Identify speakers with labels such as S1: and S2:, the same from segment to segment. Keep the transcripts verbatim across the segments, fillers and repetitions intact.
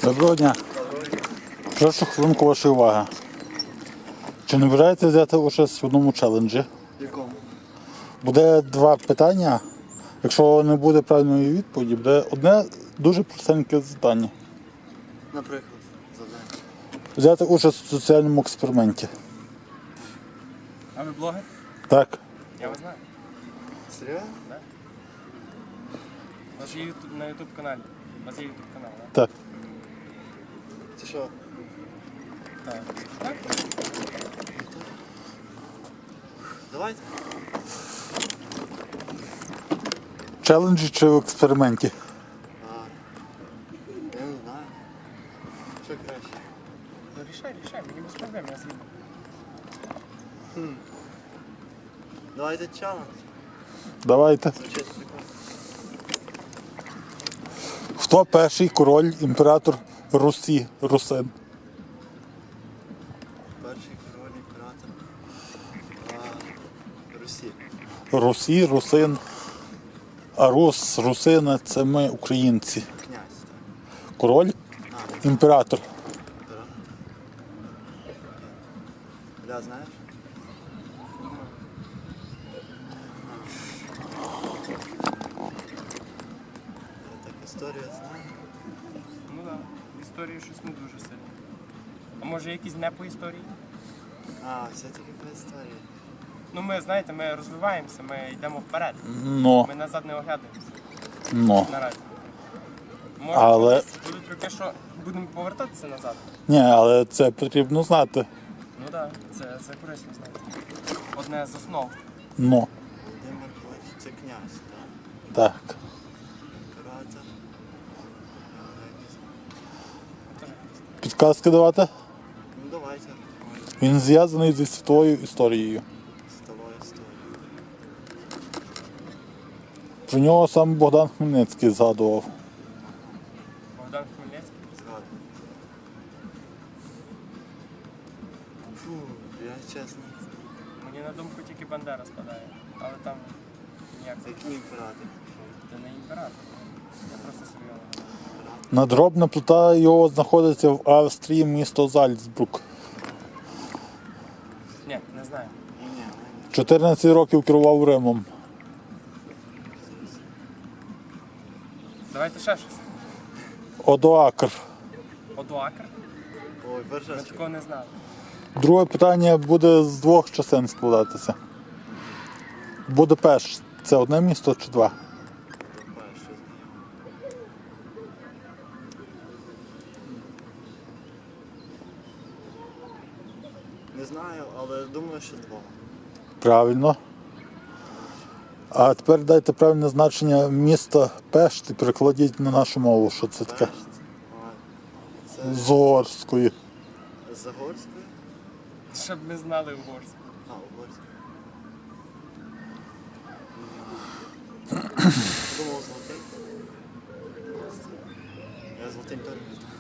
S1: Доброго дня. Прошу хвилинку вашої уваги. Чи не бажаєте взяти участь в одному челенджі?
S2: Якому?
S1: Буде два питання. Якщо не буде правильної відповіді, буде одне дуже простеньке завдання.
S2: Наприклад, завдання.
S1: Взяти участь в соціальному експерименті.
S3: А ви блогер?
S1: Так.
S3: Я вас знаю.
S2: Серйозно?
S3: У вас є ютуб, на ютуб каналі. У вас є ютуб канал, так?
S1: Так.
S2: Це що?
S3: Так. Так?
S2: Давайте.
S1: Челенджі чи в експерименті?
S2: А, я не знаю. Що краще?
S3: Ну рішай, рішай, мені без проблем, я згідно.
S2: Давайте челендж.
S1: Давайте.
S2: Звучить прикольно.
S1: Хто перший король, імператор Русі, Русин?
S2: Перший король імператор. А, Русі.
S1: Русі, Русин. А Рус, Русини – це ми, українці.
S2: Князь, так.
S1: Король,
S2: А,
S1: імператор.
S2: імператор. Бля, знаєш? Я так історію знаю.
S3: Ну так, да. Історію щось не дуже сильно. А може якісь не по історії?
S2: А, все-таки по історії.
S3: Ну ми, знаєте, ми розвиваємося, ми йдемо вперед.
S1: Но,
S3: Ми назад не оглядаємося
S1: но.
S3: наразі. Може,
S1: Але-
S3: колись будуть роки, що будемо повертатися назад.
S1: Ні, але це потрібно знати.
S3: Ну так, да, це, це корисно знати. Одне з основ.
S1: Но.
S2: Володимир Великий – це князь, так?
S1: Так.
S2: Імператор. Я не знаю.
S1: Підказки давати?
S2: Ну давайте.
S1: Він зв'язаний зі світовою історією.
S2: Сталою історію.
S1: Про нього сам Богдан Хмельницький згадував.
S3: Богдан Хмельницький.
S2: Згадую. Фу, я чесно.
S3: Мені на думку тільки Бандера спадає. Але там ніяк
S2: Це який імператор?
S3: це не імператор. Я просто серйозно.
S1: Надгробна плита його знаходиться в Австрії, місто Зальцбрук.
S3: Ні, не знаю.
S2: Ні, ні, ні.
S1: чотирнадцять років керував Римом.
S3: Давайте ще щось.
S1: Одоакр.
S3: Одоакр?
S2: Ой,
S3: Ми
S2: перша
S3: такого не знали.
S1: Друге питання буде з двох частин складатися. Будапешт – це одне місто чи два?
S2: перша знайома. Не знаю, але думаю, що два.
S1: Правильно. А тепер дайте правильне значення міста Пешт і перекладіть на нашу мову, що це таке.
S2: Пешт. Ой.
S1: З угорської.
S2: Це з Загорської?
S3: Щоб ми знали угорську.
S2: А, Угорської. Думав золотий. Я золотим теж не знаю.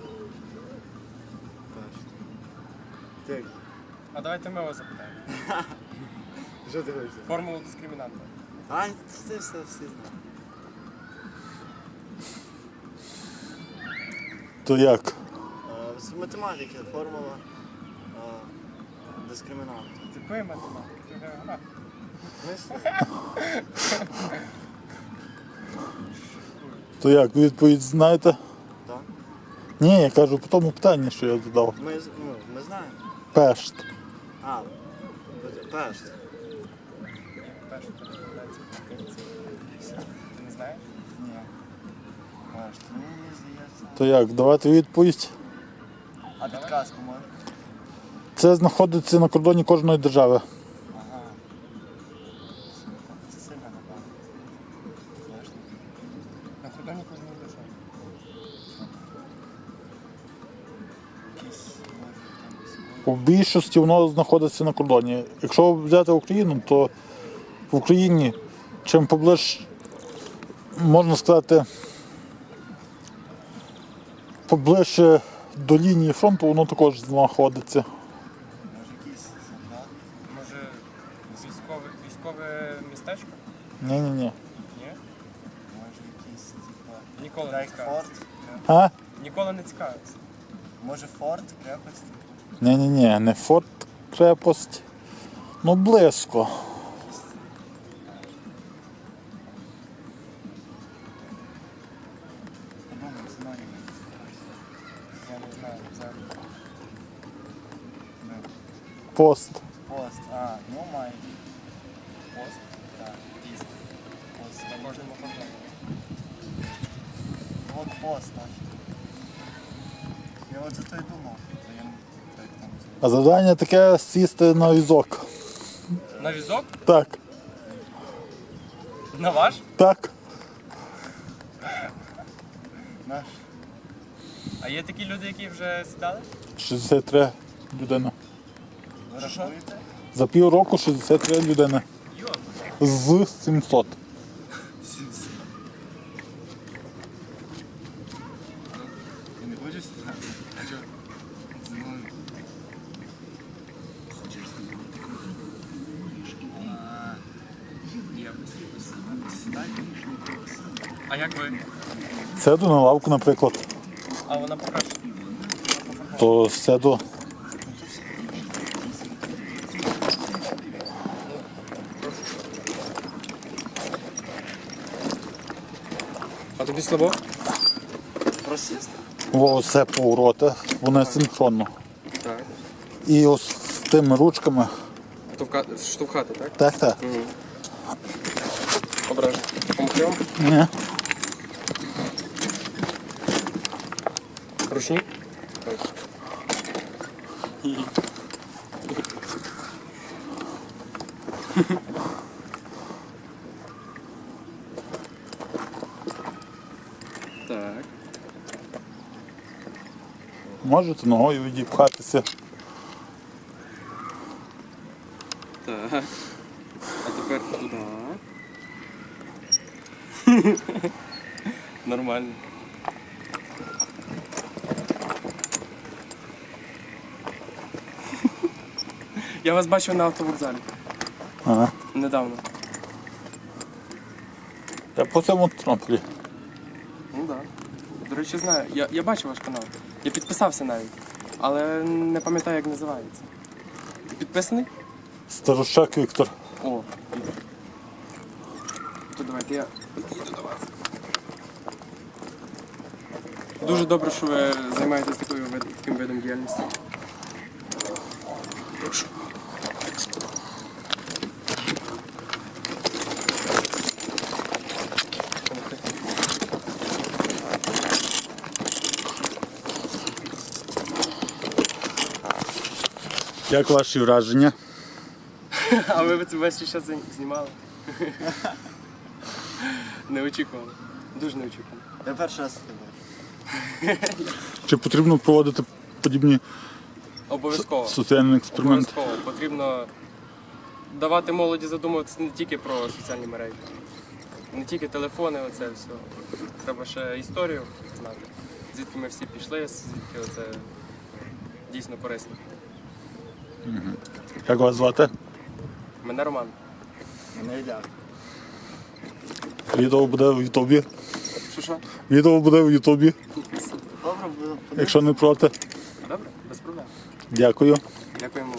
S2: Пешт. Ти,
S3: А давайте ми вас запитаємо.
S2: що ти хочеш?
S3: Формулу дискримінанта.
S2: А, це все всі знають.
S1: То як?
S2: Е, З математики формула е, дискримінанту.
S3: З якої математики? Ти географ.
S1: То як? Відповідь знаєте?
S2: Так?
S1: Ні, я кажу по тому питанні, що я задав.
S2: Ми, з- ну, ми знаємо.
S1: Пешт.
S2: А, Пешт.
S3: Перше перекладається по-українськи. Ти не знаєш?
S2: Ні. Пешт. Ну, мені здається.
S1: То як? Давайте відповідь.
S2: А підказку може?
S1: Це знаходиться на кордоні кожної держави.
S2: Ага. Це сильно напевно. Пешт.
S3: На кордоні кожної держави.
S2: Якісь, може, там десь.
S1: У більшості воно знаходиться на кордоні. Якщо взяти Україну, то в Україні чим поближ, можна сказати, поближче до лінії фронту, воно також знаходиться.
S2: Може якісь солдати?
S3: Може військове, військове містечко?
S1: Ні-ні-ні.
S3: Ні?
S2: Може якісь, типа.
S3: Ніколи не
S2: Рейкфорд?
S3: скажеш.
S1: А?
S3: Ніколи не цікавився.
S2: Може форт, крепость?
S1: Ні-ні-ні, не форт, крепость. Ну, близько.
S2: Подумай, знаю.
S3: Я не знаю. Взагалі.
S2: Ну,
S1: Пост.
S2: Пост. А, ну май.
S3: Пост.
S2: Так.
S3: Тіст.
S2: Пост.
S3: На кожному кордоні.
S2: От пост наш. Я от за то й думав. Та я не- як там це.
S1: А завдання таке сісти на візок.
S3: На візок?
S1: Так,
S3: На ваш?
S1: так.
S2: Наш.
S3: А є такі люди, які вже сідали?
S1: шістдесят три людини.
S2: Ви
S3: Що, що?
S2: рахуєте?
S1: За півроку шістдесят три людини.
S3: Йо.
S1: З сімсот.
S2: Ти не хочеш сідати? А чого? Зі мною. А,
S3: Є.
S2: сідай.
S3: А як ви?
S1: Сяду на лавку, наприклад.
S3: А вона покраще.
S1: То сяду.
S3: А тобі слабо?
S2: Просіст?
S1: Во, все повороти, вони синхронно.
S3: Так.
S1: І ось з тими ручками.
S3: Штовхати, так?
S1: Так, так.
S3: Ображу. Помогти вам?
S1: Ні.
S3: Ручні? Так. Так.
S1: Можете ногою відіпхатися.
S3: Так. А тепер туди. Нормально. Я вас бачив на автовокзалі.
S1: Ага.
S3: Недавно.
S1: Я по цьому трамплі.
S3: Ну так. Да. До речі, знаю. Я, я бачив ваш канал. Я підписався навіть. Але не пам'ятаю, як називається. Ти підписаний?
S1: Старощак Віктор.
S3: О, Віктор. То давайте я підійду до вас. Дуже добре, що ви займаєтесь такою вид- таким видом діяльності. Прошу.
S1: Як ваші враження?
S3: А ви це весь час знімали? Не очікували. Дуже не очікували.
S2: Я перший раз тебе бачу.
S1: Чи потрібно проводити подібні
S3: Обов'язково.
S1: соціальні експерименти?
S3: Обов'язково. Потрібно давати молоді задумуватися не тільки про соціальні мережі, не тільки телефони, оце все. Треба ще історію знати. Звідки ми всі пішли, звідки оце дійсно корисно.
S1: Як вас звати?
S3: Мене Роман.
S2: Мене йде.
S1: Відео буде в Ютубі.
S3: Що що?
S1: Відео буде в Ютубі,
S2: Добре, буду
S1: якщо не проти.
S3: Добре, без проблем.
S1: Дякую.
S3: Дякуємо.